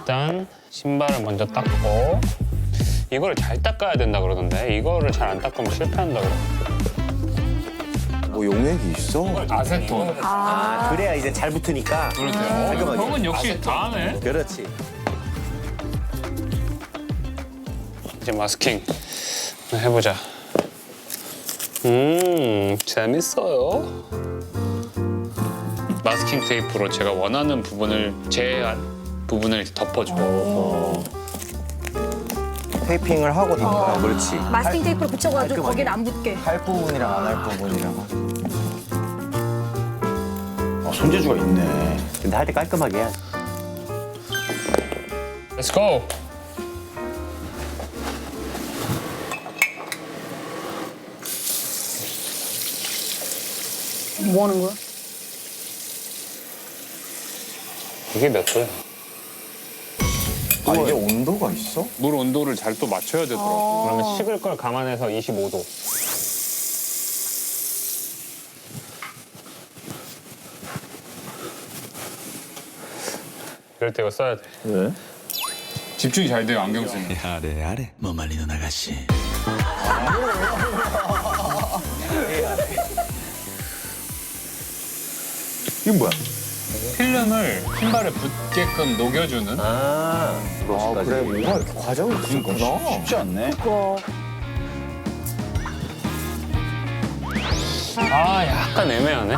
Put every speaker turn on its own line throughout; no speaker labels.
일단 신발을 먼저 닦고 이거를 잘 닦아야 된다 그러던데 이거를 잘 안 닦으면 실패한다고.
뭐 용액이 있어?
아세톤.
그래야 이제 잘 붙으니까.
그렇죠.
깔끔하게.
형은 역시 다 하네.
그렇지.
이제 마스킹 해보자. 재밌어요. 마스킹 테이프로 제가 원하는 부분을 제한 부분을 덮어줘.
테이핑을 하고 닦아.
그렇지.
마스킹 테이프로 붙여가지고
깔끔하게.
거기를 안 붙게.
할 부분이랑 안 할 부분이랑. 손재주가 있네.
근데 할 때 깔끔하게 해야지.
Let's go.
뭐 하는 거야?
이게 몇 도야?
아, 이게 온도가 있어?
물 온도를 잘 또 맞춰야 되더라고.
그러면 식을 걸 감안해서 25도. 이럴 때 이거 써야 돼.
왜?
집중이 잘 돼요, 안경 쓰면.
あれあれもまりの流し
이게 뭐야?
필름을 신발에 붙게끔 녹여주는.
아,
아,
브러쉬까지.
그래. 뭐가 이렇게 과정이 있었구나. 쉽지 않네.
아, 약간 애매하네.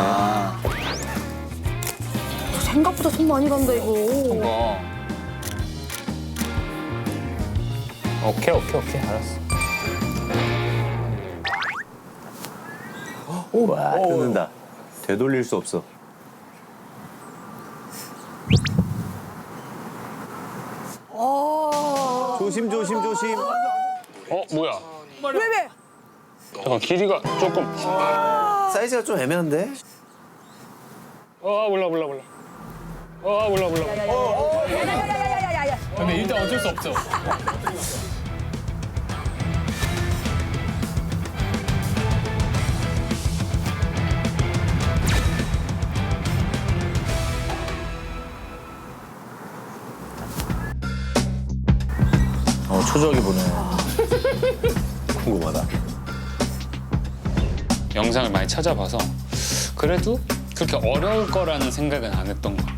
생각보다 손 많이 간다 이거.
거.
오케이. 알았어.
와, 뜯는다. 되돌릴 수 없어. 조심.
뭐야?
왜?
잠깐, 길이가 조금.
사이즈가 좀 애매한데?
몰라.
야야야야야야야.
근데 일단 어쩔 수 없죠.
초조하게 보네.
궁금하다.
영상을 많이 찾아봐서 그래도 그렇게 어려울 거라는 생각은 안 했던 것